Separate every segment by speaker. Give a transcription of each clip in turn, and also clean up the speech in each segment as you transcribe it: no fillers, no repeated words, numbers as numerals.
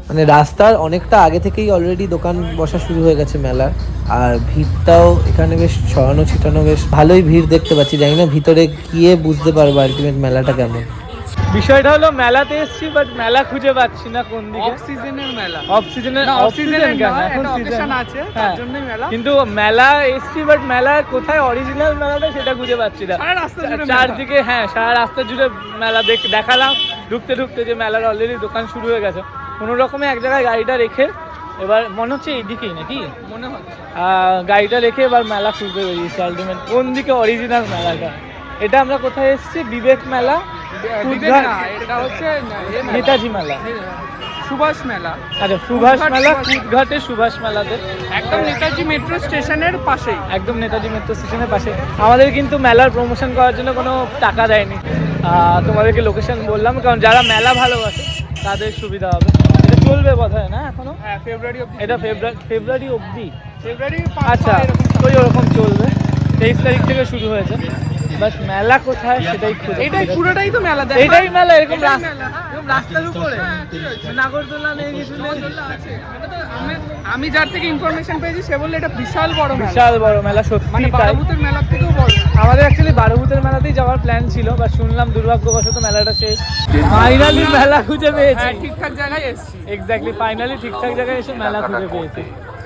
Speaker 1: মানে রাস্তার অনেকটা আগে থেকেই অলরেডি দোকান বসা শুরু হয়ে গেছে মেলার। আর ভিড়টাও এখানে বেশ ছড়ানো ছিটানো, বেশ ভালোই ভিড় দেখতে পাচ্ছি। জানি না ভিতরে গিয়ে বুঝতে পারবো আলটিমেট মেলাটা কেমন। বিষয়টা হলো মেলাতে এসেছি বাট মেলা খুঁজে পাচ্ছি না কোন দিকে।
Speaker 2: অফ সিজনের মেলা,
Speaker 1: অফ সিজনের কেন এখন সিজন
Speaker 2: আছে তার জন্যই মেলা।
Speaker 1: কিন্তু মেলা এসেছি বাট মেলা কোথায় অরিজিনাল মেলাটা সেটা খুঁজে পাচ্ছি না।
Speaker 2: সারা রাস্তা জুড়ে
Speaker 1: চারদিকে, হ্যাঁ সারা রাস্তা জুড়ে মেলা দেখালাম ঢুকতে ঢুকতে যে মেলার অলরেডি দোকান শুরু হয়ে গেছে। কোনো রকমে এক জায়গায় গাড়িটা রেখে এবার মনে হচ্ছে এইদিকেই নাকি
Speaker 2: মনে হচ্ছে
Speaker 1: গাড়িটা রেখে এবার মেলা খুঁজতে বেরিয়েছি আলটিমেট কোন দিকে অরিজিনাল মেলাটা। এটা আমরা কোথায় এসেছি? বিবেক মেলা,
Speaker 2: এটা হচ্ছে
Speaker 1: নেতাজি মেলা,
Speaker 2: সুভাষ মেলা।
Speaker 1: আচ্ছা সুভাষ মেলা, কুদঘাটে সুভাষ মেলাতে
Speaker 2: একদম নেতাজি মেট্রো স্টেশনের পাশেই।
Speaker 1: একদম নেতাজি মেট্রো স্টেশনের পাশে। আমাদের কিন্তু মেলার প্রমোশন করার জন্য কোনো টাকা দেয়নি, তোমাদেরকে লোকেশন বললাম কারণ যারা মেলা ভালোবাসে তাদের সুবিধা হবে। এটা চলবে বোধহয় না এখনো?
Speaker 2: হ্যাঁ ফেব্রুয়ারি অবধি।
Speaker 1: এটা ফেব্রুয়ারি অবধি।
Speaker 2: ফেব্রুয়ারি
Speaker 1: আচ্ছা ওই ওরকম চলবে। 23 তারিখ থেকে শুরু হয়েছে। বাট মেলা কোথায় সেটাই খুঁজে।
Speaker 2: এটাই পুরোটাই তো মেলা,
Speaker 1: এটাই মেলা। এরকম
Speaker 2: রাস্তার উপরে
Speaker 1: নাগরদোলা নেই কিছু নেই।
Speaker 2: আমি যার থেকে ইনফরমেশন পেয়েছি সে বললে এটা বিশাল বড় মেলা,
Speaker 1: বিশাল বড় মেলা সত্যি।
Speaker 2: মানে বারুভূতের মেলার থেকেও বড়।
Speaker 1: আমাদের অ্যাকচুয়ালি বারুভূতের মেলাতেই যাওয়ার প্ল্যান ছিল বা শুনলাম দুর্ভাগ্যবশত মেলাটা শেষ। ফাইনালি মেলা খুঁজে পেয়েছি।
Speaker 2: হ্যাঁ ঠিকঠাক জায়গায় এসেছি।
Speaker 1: এক্স্যাক্টলি, ফাইনালি ঠিকঠাক জায়গায় এসে মেলা খুঁজে পেয়েছি।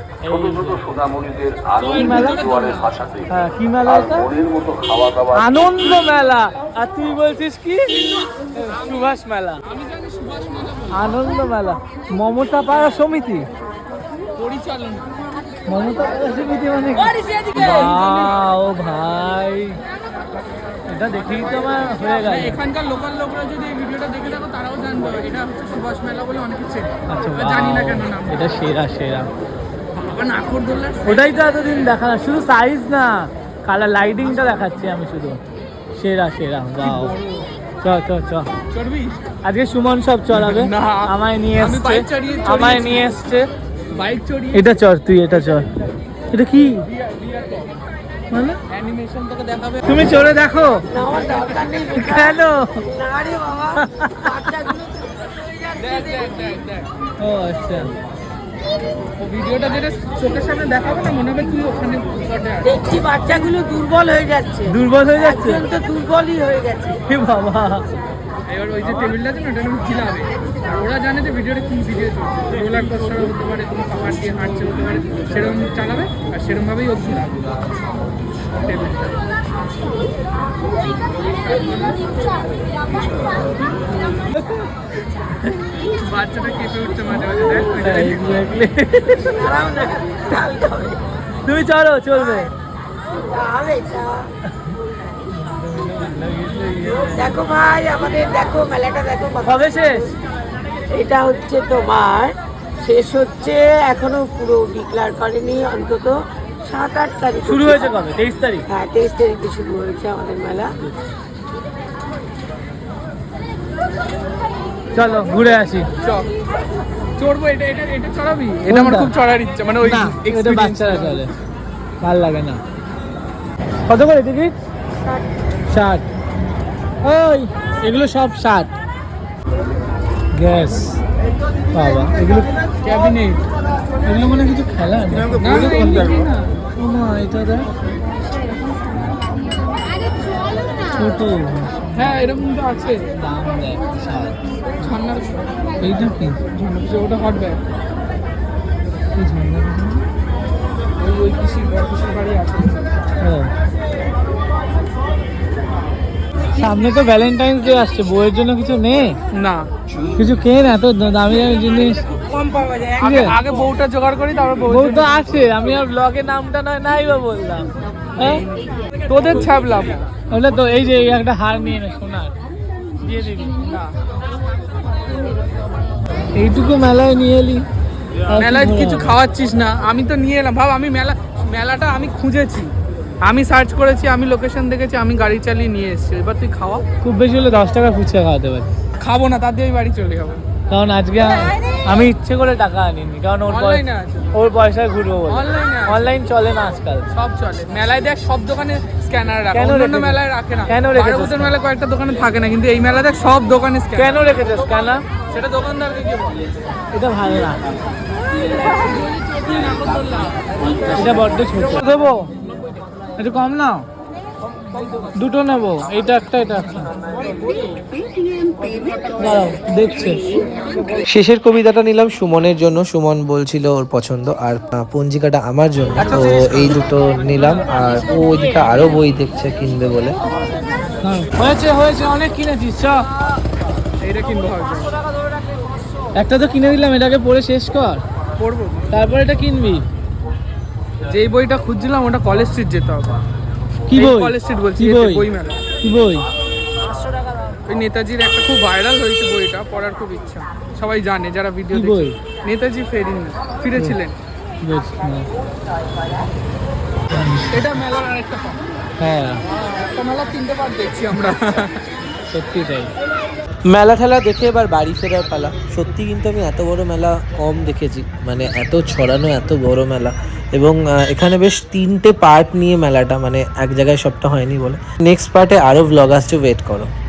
Speaker 1: কি মেলা এটা? আনন্দ মেলা। আর তুই বলছিস কি সুভাষ মেলা? আনন্দ মেলা, মমতা পাড়া সমিতি
Speaker 2: পরিচালনা।
Speaker 1: মমতা পাড়া সমিতি মানে ও ভাই, এটা দেখেই তো আমার হয়ে গেল।
Speaker 2: এখানকার লোকাল লোকরা যদি এই ভিডিওটা দেখে থাকো তারাও জানবে এটা হচ্ছে সুভাষ মেলা বলে অনেকে চেনে।
Speaker 1: আচ্ছা
Speaker 2: জানি না কেন নাম।
Speaker 1: এটা সেরা সেরা।
Speaker 2: বাবা নাগরদোল্লা
Speaker 1: ওটাই তো এতদিন দেখা না, শুধু সাইজ না কালার লাইটিংটা দেখাচ্ছি আমি শুধু। সেরা সেরা, বাও। চ চ চ
Speaker 2: চড়বি
Speaker 1: আজকে সুমন সব চড়াবে।
Speaker 2: না,
Speaker 1: আমায় নিয়ে
Speaker 2: আমি
Speaker 1: এসছে,
Speaker 2: বাইক চালিয়ে
Speaker 1: আমায় নিয়ে এসছে।
Speaker 2: বাইক চড়িয়ে
Speaker 1: এটা চড়, তুই এটা চড়। এটা কি মানে?
Speaker 2: অ্যানিমেশন তোকে দেখাবে।
Speaker 1: তুমি চড়ে দেখো। কেন?
Speaker 2: দেখ দেখ দেখ দেখ
Speaker 1: ও আচ্ছা,
Speaker 2: ও ভিডিওটা যেটা চোখের সামনে দেখাবো না মনে হবে তুই ওখানে স্পটে আছিস।
Speaker 3: দেখছি বাচ্চাগুলো দুর্বল হয়ে যাচ্ছে,
Speaker 1: দুর্বল হয়ে যাচ্ছে
Speaker 3: তো দুর্বলই হয়ে গেছে।
Speaker 1: এ বাবা।
Speaker 2: এবার ওই যে টেবিলটা আছে না ওটা আমি খিলাবে, আর ওরা জানে যে ভিডিওটা কি ভিডিও চলছে। রোলার কোস্টার হতে পারে, কোনো পাহাড় দিয়ে হাঁটছে হতে পারে, সেরকম চালাবে আর সেরকমভাবেই ও ঘুরাবে টেবিলটা। বাচ্চাটা কেঁপে উঠছে মাঝে মাঝে, দেখ ওই যে
Speaker 1: Exactly.
Speaker 3: দাঁড়াও না, ঢালতে হবে।
Speaker 1: তুমি চলো, চলবে।
Speaker 3: তাহলে এটা দেখো ভাই, আমাদের দেখো মেলাটা দেখো কত।
Speaker 1: কবে শেষ?
Speaker 3: এটা হচ্ছে তোমার শেষ হচ্ছে, এখনো পুরো ডিক্লার করেনি, অন্তত 7-8 তারিখ
Speaker 1: শুরু হয়েছে কবে? 23 তারিখ।
Speaker 3: হ্যাঁ 23 তারিখে শুরু হয়েছে আমাদের মেলা।
Speaker 1: চলো ঘুরে আসি।
Speaker 2: চড়বো। এটা এটা এটা চড়াবি? এটা আমার খুব চড়ার ইচ্ছা, মানে ওই
Speaker 1: না, এটা
Speaker 2: experience
Speaker 1: বাচ্চারা চলে, ভাল লাগে না। কত করে টিকিট? 60। ওই এগুলো সব 60। গ্যাস বাবা, এগুলো
Speaker 2: ক্যাবিনেট।
Speaker 1: এগুলো মনে হয় কিছু খেলা না?
Speaker 2: না
Speaker 1: ও মা, এটা দেখ ছোট।
Speaker 2: হ্যাঁ এরকম তো আছে।
Speaker 1: দাম দেখ 60।
Speaker 2: ঝর্ণার
Speaker 1: এইটা কি?
Speaker 2: ওটা হট ব্যাগ।
Speaker 1: এই ঝর্ণা
Speaker 2: ওই পিসির বড় পিসির বাড়ি আছে।
Speaker 1: ও, সামনে তো ভ্যালেন্টাইন্স ডে আসছে, বউয়ের জন্য কিছু নে,
Speaker 2: না
Speaker 1: কিছু কেন, এত দামি দামি জিনিস।
Speaker 3: কম পাওয়া যায়।
Speaker 1: ঠিক আছে?
Speaker 2: আগে বউটা জোগাড় করি তারপর
Speaker 1: বউ তো আছে, আমি আর ব্লগের নামটা নাই বা বললাম। হ্যাঁ
Speaker 2: তোদের ছাপলাম
Speaker 1: ওটা তো এই যে এই একটা হার নিয়ে নে সোনার, দিয়ে দিবি
Speaker 2: না।
Speaker 1: এইটুকু মেলায় নিয়ে এলি।
Speaker 2: মেলায় কিছু খাওয়াচ্ছিস না, আমি তো নিয়ে এলাম। ভাব আমি মেলাটা আমি খুঁজেছি, আমি সার্চ করেছি, আমি লোকেশন দেখেছি, আমি গাড়ি চালিয়ে নিয়ে এসেছি। এবার তুই খাওয়া।
Speaker 1: খুব বেশি হলে 10 টাকা ফুচকা খাওয়াতে পারি।
Speaker 2: খাবো না, তার দিয়ে আমি বাড়ি চলে যাবো।
Speaker 1: কারণ আজকে আমি ইচ্ছে করে টাকা আনিনি, কারণ
Speaker 2: অনলাইনে আছে,
Speaker 1: ওর পয়সায় ঘুরবো বলে।
Speaker 2: অনলাইনে আছে,
Speaker 1: অনলাইন চলে না আজকাল।
Speaker 2: সব চলে। মেলায় দেখ সব দোকানে স্ক্যানার রাখে,
Speaker 1: কেন
Speaker 2: অন্যান্য
Speaker 1: রেখেছে?
Speaker 2: মেলায় রাখে না।
Speaker 1: কেন রেখেছে?
Speaker 2: বারোবছর মেলায় কয়েকটা দোকানে থাকে না, কিন্তু এই মেলা দেখ সব দোকানে
Speaker 1: কেন
Speaker 2: স্ক্যানার।
Speaker 1: রেখেছে স্ক্যানার?
Speaker 2: সেটা দোকানদারকে কি বলে?
Speaker 1: এটা ভালো না, এটা বড্ড ছোট। দেবো একটু কম নাও, দুটো নেবো, এইটা একটা এটা একটা। দাঁড়াও, দেখছে। শেষের কবিতাটা নিলাম সুমনের জন্য, সুমন বলছিল ওর পছন্দ, আর পঞ্জিকাটা আমার জন্য, তো এই দুটো নিলাম। আর ও ওইদিকে আরো বই দেখছে কিনবে বলে। হয়েছে হয়েছে, অনেক কিনেছিস, চ
Speaker 2: এইটা কিনবো ভাবছি,
Speaker 1: একটা তো কিনে দিলাম, এটাকে পড়ে শেষ কর,
Speaker 2: পড়বো।
Speaker 1: তারপর এটা কিনবি।
Speaker 2: যেই বইটা খুঁজছিলাম ওটা কলেজ স্ট্রিট যেতে হবে।
Speaker 1: কি বই?
Speaker 2: কলেজ স্ট্রিট বলছি,
Speaker 1: কি বই?
Speaker 2: বই মেলা।
Speaker 1: কি বই?
Speaker 2: ওই নেতাজির একটা খুব ভাইরাল হয়েছে বইটা, পড়ার খুব ইচ্ছা, সবাই জানে যারা ভিডিও
Speaker 1: কি বই?
Speaker 2: দেখে। নেতাজি ফিরেছিলেন। এটা মেলার আরেকটা পার্ট।
Speaker 1: হ্যাঁ,
Speaker 2: একটা মেলা 3টে পার্ট দেখছি আমরা।
Speaker 1: সত্যি তাই। মেলা ঠেলা দেখে এবার বাড়ি ফেরার পালা। সত্যি কিন্তু আমি এত বড় মেলা কম দেখেছি, মানে এত ছড়ানো এত বড় মেলা, এবং এখানে বেশ 3টে পার্ট নিয়ে মেলাটা, মানে এক জায়গায় সবটা হয়নি বলে। নেক্সট পার্টে আরও ভ্লগ আসছে, ওয়েট করো।